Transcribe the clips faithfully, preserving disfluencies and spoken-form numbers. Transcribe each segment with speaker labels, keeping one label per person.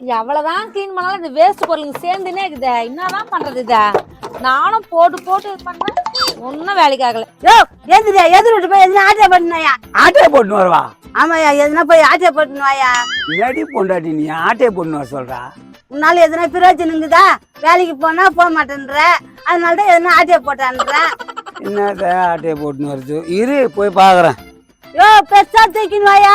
Speaker 1: எவ்வளவுதான் கிளீன் பண்ணாலும் இந்த வேஸ்ட் பொருளுங்க சேர்ந்துனே இருக்குதே. என்னதான் பண்றது இத? நானும் போட்டு போட்டு இது பண்றேன், ஒன்னும் வேலைக்கு ஆகல.
Speaker 2: யோ எதிரியா எதிர் விட்டு போய் எதுனா ஆட்டே போட்டுனாயா?
Speaker 3: ஆட்டே போட்டுன்னு வருவா?
Speaker 2: ஆமாயா, எதுனா போய் ஆட்டே போட்டுனுவாயா?
Speaker 3: இல்லாட்டி பொண்டாட்டி நீ ஆட்டே போட்டுன்னு வர சொல்றா?
Speaker 2: உன்னால எதுனா பிரயோஜனங்குதா? வேலைக்கு போனா போக மாட்டேன்ற, அதனாலதான் எதுனா ஆட்டே போட்டான்ற.
Speaker 3: என்னத ஆட்டே போட்டுன்னு வருது? இரு போய் பாக்குறேன்.
Speaker 2: யோ பெருசா தூக்கின்னு வாயா.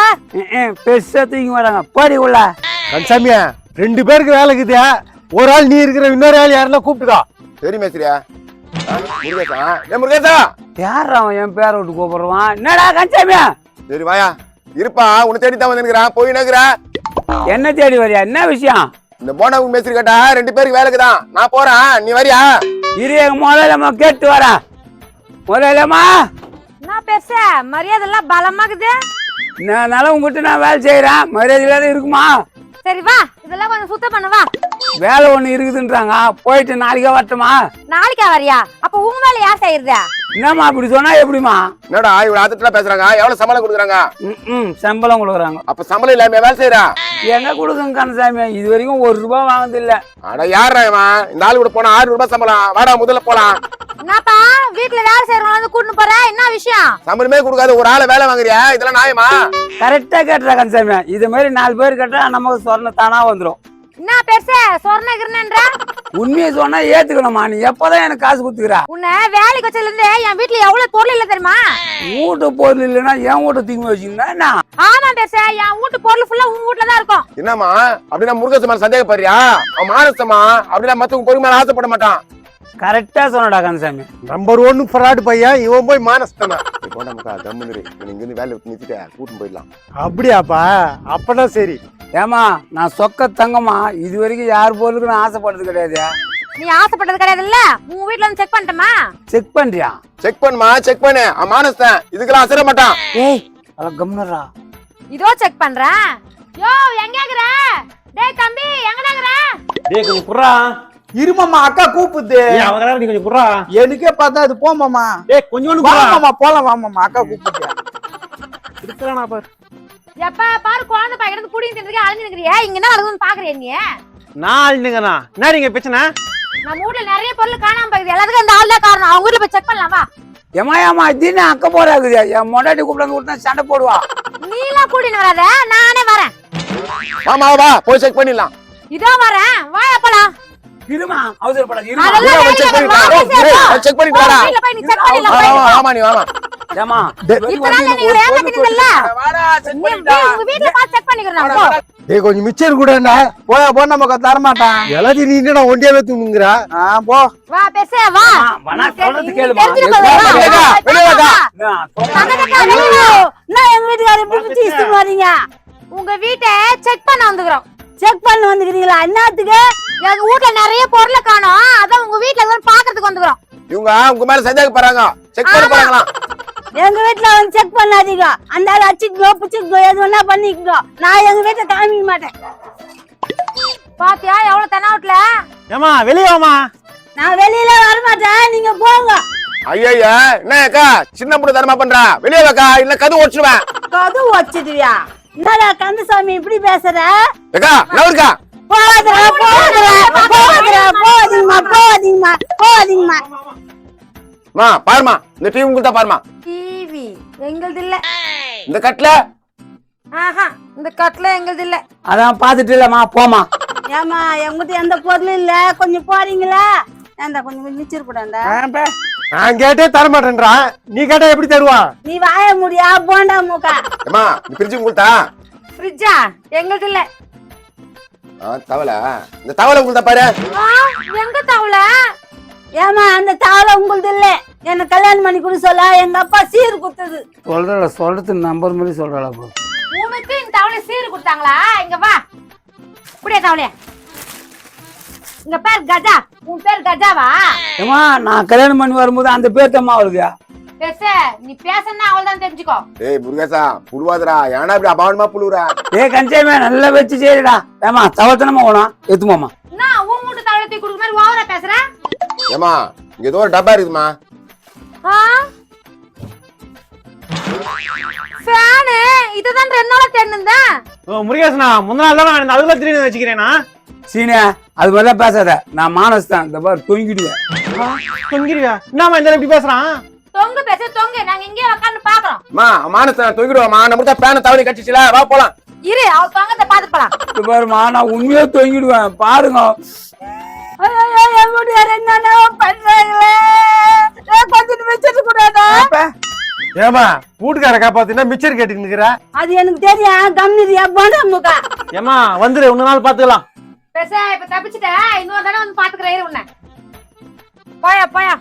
Speaker 3: பெருசா தூக்கி வராங்க, போடி உள்ள.
Speaker 4: கன்சாமியா, ரெண்டு பேருக்கு வேலை இருக்குதா? ஒரு ஆள் நீ இருக்கிற, இன்னொரு ஆள் யாருன்னா கூப்பிட்டுக்கோ.
Speaker 5: சரி மேஸ்திரியா. முருகேசா, ஏ முருகேசா.
Speaker 3: யார் அவன் என் பேரை விட்டு கூப்பிடுவான்? என்னடா கன்சாமியா?
Speaker 5: சரி வாயா, இருப்பா, உன்னை தேடி தான் வந்துருக்கிறான். போய் நகுறா.
Speaker 3: என்ன தேடி வரியா? என்ன விஷயம்?
Speaker 5: இந்த போனாவுக்கு மேஸ்திரி கேட்டா ரெண்டு பேருக்கு வேலைக்கு தான், நான் போறேன், நீ வரியா?
Speaker 3: இரு, எங்க முதலம்மா கேட்டு வரா. முதலம்மா,
Speaker 1: என்ன பேச மரியாதை எல்லாம் பலமாக்குது.
Speaker 3: நான் உங்ககிட்ட நான் வேலை செய்யறேன், மரியாதை இல்லாத இருக்குமா?
Speaker 1: சரி வா, இதெல்லாம் கொஞ்சம் சுத்தம் பண்ண வா.
Speaker 3: வேலை ஒண்ணு இருக்குதுன்றாங்க, போயிட்டு நாளைக்கே வரட்டுமா?
Speaker 1: நாளைக்கா வரியா? அப்ப உங்க வேலை யார் செய்யறது?
Speaker 3: என்னம்மா அப்படி சொன்னா எப்படிமா?
Speaker 5: என்னடா இவ்வளவு ஆத்திரத்துல பேசுறாங்க? எவ்வளவு சம்பளம் கொடுக்குறாங்க?
Speaker 3: ம் சம்பளம் கொடுக்குறாங்க.
Speaker 5: அப்ப சம்பளம் இல்லாம வேலை செய்யறா?
Speaker 3: எங்க கொடுக்குங்க கந்தசாமி, இது வரைக்கும் ஒரு ரூபாய் வாங்குது இல்ல.
Speaker 5: அட யாரா இவன்? இந்த ஆளு கூட போனா ஆறு ரூபாய் சம்பளம். வாடா முதல்ல போலாம்.
Speaker 1: என்னப்பா வீட்டுல வேலை செய்யறவங்க வந்து கூட்டிட்டு போற? என்ன விஷயம்?
Speaker 5: சம்பளமே கொடுக்காத ஒரு ஆளை வேலை வாங்குறியா? இதெல்லாம் நியாயமா?
Speaker 3: கரெக்டா கேட்டுறா கந்தசாமி, இது மாதிரி நாலு பேர் கேட்டா நமக்கு சொன்ன தானா வந்துடும்.
Speaker 1: என்ன பெருசு சொர்ணகிரன்ற?
Speaker 3: உண்மையை சொன்னா ஏத்துக்கணுமா? நீ எப்பதான் எனக்கு காசு குடுத்துக்கிறா?
Speaker 1: உன்னை வேலைக்கு வச்சதுல இருந்து என் வீட்டுல எவ்வளவு பொருள் இல்ல தெரியுமா?
Speaker 3: வீட்டு பொருள் இல்லைன்னா என் வீட்டை தூக்கி வச்சுக்கிட்டா என்ன?
Speaker 1: ஆமா பெருசு, என் வீட்டு பொருள் ஃபுல்லா உங்க வீட்டுல தான் இருக்கும்.
Speaker 5: என்னம்மா அப்படின்னா முருகேசமா சந்தேகப்படுறியா? அவன் மானசமா அப்படின்னா மத்தவங்க பொறுமை மேல ஆசைப்பட மாட்டான்.
Speaker 3: கரெக்டா சொன்னடா கந்தசாமி.
Speaker 4: நம்பர் ஒன்னு ஃப்ராடு பையன் இவன், போய் மானஸ்தானா.
Speaker 5: போண்டாமுக்கா தம்முன்னு இங்க இருந்து வேலை நிறுத்திட்ட கூட்டிட்டு போயிடலாம்.
Speaker 4: அப்படியாப்பா? அப்பதான் சரி.
Speaker 3: ஏமா நான் சொக்க தங்கம்மா, இது வரைக்கும் யார் பொருளுக்கு நான் ஆசைப்பட்டது கிடையாது.
Speaker 1: நீ ஆசைப்பட்டது கிடையாது இல்ல? உங்க வீட்டுல வந்து செக் பண்ணட்டுமா?
Speaker 3: செக் பண்றியா?
Speaker 5: செக் பண்ணுமா, செக் பண்ணு. அவன் மானஸ்தான், இதுக்கெல்லாம் அசர மாட்டான்.
Speaker 3: ஏய் அத கம்னரா.
Speaker 1: இதோ செக் பண்றேன். யோ எங்க இருக்கற? டேய் தம்பி எங்கடா இருக்கற?
Speaker 6: டேய் கொஞ்சம் குறா.
Speaker 4: இருமாமா, அக்கா கூப்பிடுது.
Speaker 6: ஏய் அவங்கடா நீ கொஞ்சம் குறா.
Speaker 4: எனக்கே பார்த்தா அது போமாமா.
Speaker 6: டேய் கொஞ்சம் குறா.
Speaker 4: மாமா போலாம் வாமாமா, அக்கா கூப்பிடுது.
Speaker 6: இருக்கறானா பாரு.
Speaker 1: எப்ப பாரு குழந்தை பையன் இருந்து புடிங்க தின்றதுக்கு அலைஞ்சு நிக்கறியா? இங்க என்ன நடக்குதுன்னு பாக்குறியா நீ?
Speaker 6: நான் அழுதுங்கனா. என்ன நீங்க பிரச்சனை?
Speaker 1: நம்ம வீட்ல நிறைய பொருள் காணாம போகுது. எல்லாத்துக்கும் இந்த ஆள் தான் காரணம். அவங்க வீட்ல போய் செக் பண்ணலாம் வா.
Speaker 3: ஏமா ஏமா தின அக்க போறாக்குது. என் மொண்டாட்டி கூப்பிட்டு விட்டா சண்டை போடுவா.
Speaker 1: நீ எல்லாம் கூட்டிட்டு வராத, நானே வரேன்.
Speaker 5: வாமா வா, போய் செக் பண்ணிடலாம்.
Speaker 1: இதோ வரேன், வாயா போலாம்.
Speaker 3: இருமா, அவசரப்படாத இருமா.
Speaker 1: அதெல்லாம்
Speaker 5: செக்
Speaker 1: வேலையில
Speaker 5: பண்ணிட்டு
Speaker 1: வா,
Speaker 5: வா. செக் பண்ணிட்டு வாடா.
Speaker 1: வீட்ல போய் நீ செக் பண்ணிடலாம்.
Speaker 5: வா வா வாமா, நீ வாமா.
Speaker 3: ஏமா
Speaker 1: இப்பதான் நீங்க ஏமாத்திட்டீங்கல்ல.
Speaker 3: வாடா செக்
Speaker 1: நீ
Speaker 3: பண்ணிடா.
Speaker 1: உங்க வீட்ல பாத்து செக் பண்ணிக்கிறேன் போ.
Speaker 4: டேய் கொஞ்சம் மிச்சர் கூடடா. போயா போ, நமக்கு தர மாட்டான். எல்லாத்தையும் நீ என்னடா ஒண்டியாவே தூங்குங்கறா? ஆ போ.
Speaker 1: வா பேச வா.
Speaker 3: வனா சொல்றது கேளுமா.
Speaker 5: வெளிய வாடா.
Speaker 2: நான் எங்க வீட்டுக்காரர் இப்படி பிடிச்சி இஷ்டு மாறீங்க.
Speaker 1: உங்க வீட்டை செக் பண்ண வந்துக்கிறோம்.
Speaker 2: செக் பண்ண வந்துக்கிறீங்களா? என்னத்துக்கு?
Speaker 1: எங்க வீட்ல நிறைய பொருளை காணோம், அதான் உங்க வீட்ல எல்லாம் பாக்குறதுக்கு வந்துக்கிறோம்.
Speaker 5: இவங்க உங்க மேல சந்தேகப்படுறாங்க, செக் பண்ண போறாங்களாம்.
Speaker 2: எங்க வீட்டுல வந்து செக் பண்ணாதீங்க. அந்த ஆள் அச்சுக்கோ பிச்சுக்கோ எது வேணா பண்ணிக்கோ. நான் எங்க வீட்டை காமிக்க மாட்டேன்.
Speaker 1: பாத்தியா எவ்வளவு தெனாவட்ல?
Speaker 6: ஏமா வெளிய வாமா.
Speaker 2: நான் வெளியில வர மாட்டேன், நீங்க போங்க.
Speaker 5: ஐயா என்ன அக்கா சின்ன பொண்ணு தரமா பண்றா? வெளியே வாக்கா, இல்ல கது ஓடிச்சுவேன்.
Speaker 2: கது வச்சிடுவியா? என்னடா கந்தசாமி இப்படி பேசுற?
Speaker 5: அக்கா நவருக்கா.
Speaker 2: போகாதடா போகாதடா போகாதடா போகாதீங்கம்மா போகாதீங்கம்மா போகாதீங்கம்மா.
Speaker 5: மா பாருமா, இந்த டிவி உங்களுக்கு தான் பாருமா.
Speaker 1: டிவி எங்களுது இல்ல.
Speaker 5: இந்த கட்ல
Speaker 1: ஆஹா, இந்த கட்ல எங்களுது இல்ல.
Speaker 3: அதான் பாத்துட்டு இல்லமா, போமா.
Speaker 2: ஏமா எங்கிட்ட எந்த பொருளும் இல்ல, கொஞ்சம் போறீங்களா? ஏண்டா கொஞ்சம் மிச்சர் கூடாண்டா.
Speaker 4: நான் கேட்டே தர மாட்டேன்றான், நீ கேட்டா எப்படி தருவான்?
Speaker 2: நீ வாய முடியா போண்டா மூக்கா.
Speaker 5: ஏமா இந்த ஃப்ரிட்ஜ் உங்களுதா?
Speaker 1: ஃப்ரிட்ஜா எங்களுது இல்ல.
Speaker 5: ஆ தவளை, இந்த தவளை உங்களுதா பாரு.
Speaker 1: ஆ எங்க தவள?
Speaker 2: ஏமா அந்த தாளை உங்களுது இல்ல. என்ன கல்யாணம் பண்ணி கொடு சொல்ல எங்க அப்பா சீர் குத்துது.
Speaker 3: சொல்றல சொல்றது நம்பர் மாதிரி சொல்றல.
Speaker 1: உனக்கு இந்த தவளை சீர் கொடுத்தாங்களா? இங்க வா, குடியா தவளைய. இங்க பேர் கஜா. உன் பேர் கஜாவா?
Speaker 3: ஏமா நான் கல்யாணம் பண்ணி வரும்போது அந்த பேர் தம்மா வருது.
Speaker 1: பேச நீ பேசன்னா அவள்தான் தெரிஞ்சுக்கோ.
Speaker 5: ஏய் முருகேசா புழுவாதடா, ஏன்னா இப்படி அபாவனமா புழுவுறா?
Speaker 3: ஏய் கஞ்சேமே நல்லா வச்சு செய்யடா. ஏமா தவத்தனமா ஓணும் எத்துமாமா.
Speaker 1: நான் உன் மூட்டு தவளை தூக்கி கொடுக்குற மாதிரி ஓவரா பேசுறேன்.
Speaker 5: ஏமா இங்க ஏதோ ஒரு டப்பா இருக்குமா?
Speaker 1: ஆ பேனு இதுதான் ரெண்டு நாளா தேடினேன்.
Speaker 6: ஓ முருகேசனா முந்தின நாள் தான் நான் அதுல திடீர்னு வச்சுக்கிறேனா
Speaker 3: சீனே அது மாதிரிலாம் பேசாத. நான் மானஸ் தான். இந்த பாரு தொங்கிடுவேன்.
Speaker 6: தொங்கிருவியா? என்னம்மா இந்த இப்படி பேசுறான்?
Speaker 1: தொங்கு பேச தொங்கு, நாங்க இங்கே உட்கார்ந்து பாக்குறோம்.
Speaker 5: மா மானச தொங்கிடுவாமா, நம்ம தான் பேன தவறி கட்டிச்சுல, வா போலாம்.
Speaker 1: இரு அவ தொங்கத்தை பாத்து போலாம்.
Speaker 3: இந்த பாருமா நான் உண்மையா தொங்கிடுவேன் பாருங்க.
Speaker 2: ஐயோ என் வீட்டுக்காரர் என்னென்ன பண்றாங்களே, கொஞ்சம் வச்சிட்டு கூடாதா?
Speaker 4: ஏமா வீட்டுக்கார காப்பாத்தினா மிச்சர் கேட்டுட்டு நிக்கிற?
Speaker 2: அது எனக்கு தெரியும், கம்மிதியா போன முக்கா.
Speaker 6: ஏமா வந்துரு, இன்னொரு நாள் பாத்துக்கலாம்.
Speaker 1: பேச இப்ப தப்பிச்சிட்ட, இன்னொரு தடவை வந்து பாத்துக்கிறேன். இரு உன்னை போயா போயா.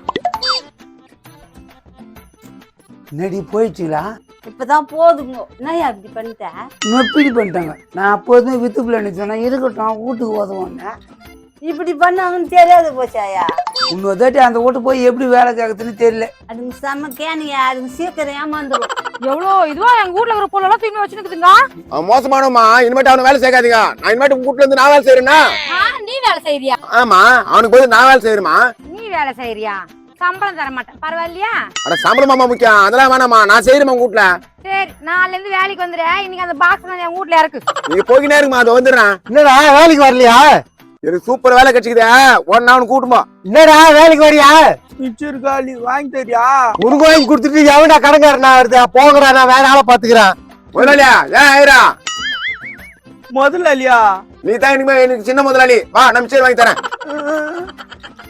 Speaker 3: நடி போயிடுச்சுங்களா?
Speaker 2: இப்பதான் போதுங்க. என்னையா இப்படி பண்ணிட்ட?
Speaker 3: நொப்பிடி பண்ணிட்டாங்க. நான் அப்போதுமே வித்துக்குள்ள நினைச்சேன்னா இருக்கட்டும் வீட்டுக்கு உதவுவாங்க.
Speaker 2: இப்படி பண்ணாங்கன்னு தெரியாது போச்சாயா.
Speaker 3: இன்னொரு தாட்டி அந்த வீட்டு போய் எப்படி வேலை கேட்கறதுன்னு தெரியல.
Speaker 2: அதுங்க செம்ம கேனியா, அதுங்க சீக்கிரம் ஏமாந்துரும்.
Speaker 1: எவ்வளவு இதுவா எங்க வீட்ல இருக்கிற பொருள் எல்லாம் தூக்கி வச்சுக்குதுங்க.
Speaker 5: அவன் மோசமானவமா, இனிமேட்டு அவனை வேலை சேர்க்காதீங்க. நான் இனிமேட்டு உங்க வீட்டுல இருந்து நான் வேலை செய்யறேன்னா?
Speaker 1: நீ வேலை செய்யறியா?
Speaker 5: ஆமா, அவனுக்கு போய் நான் வேலை செய்யறமா?
Speaker 1: நீ வேலை செய்யறியா? சம்பளம் தர மாட்டேன், பரவாயில்லையா?
Speaker 5: அட சம்பளமாமா முக்கியம், அதெல்லாம் வேணாமா, நான் செய்யறேன் உங்க வீட்டுல.
Speaker 1: சரி நாளைல இருந்து வேலைக்கு வந்துடுறேன். இன்னைக்கு அந்த பாக்ஸ் நான் என் வீட்ல இருக்கு.
Speaker 5: நீங்க போய்கினே இருக்குமா, அது வந்துடுறேன்.
Speaker 4: என்னடா வேலைக்கு வரலையா?
Speaker 5: எனக்கு சூப்பர் வேலை கிடைச்சிக்குதே, உடனே அவனுக்கு கூட்டுமா.
Speaker 4: என்னடா வேலைக்கு வரியா?
Speaker 3: மிச்சர் காலி வாங்கி தரியா?
Speaker 4: உனக்கு வாங்கி கொடுத்துட்டு எவனா கடங்காரனா வருது? போங்கடா, நான் வேற ஆளை பாத்துக்கிறேன்.
Speaker 5: முதலாளியா ஏன் ஆயிரா?
Speaker 3: முதல்ல இல்லையா?
Speaker 5: நீ தான் இனிமே எனக்கு சின்ன முதலாளி. வா, நம்ம சரி வாங்கி தரேன்.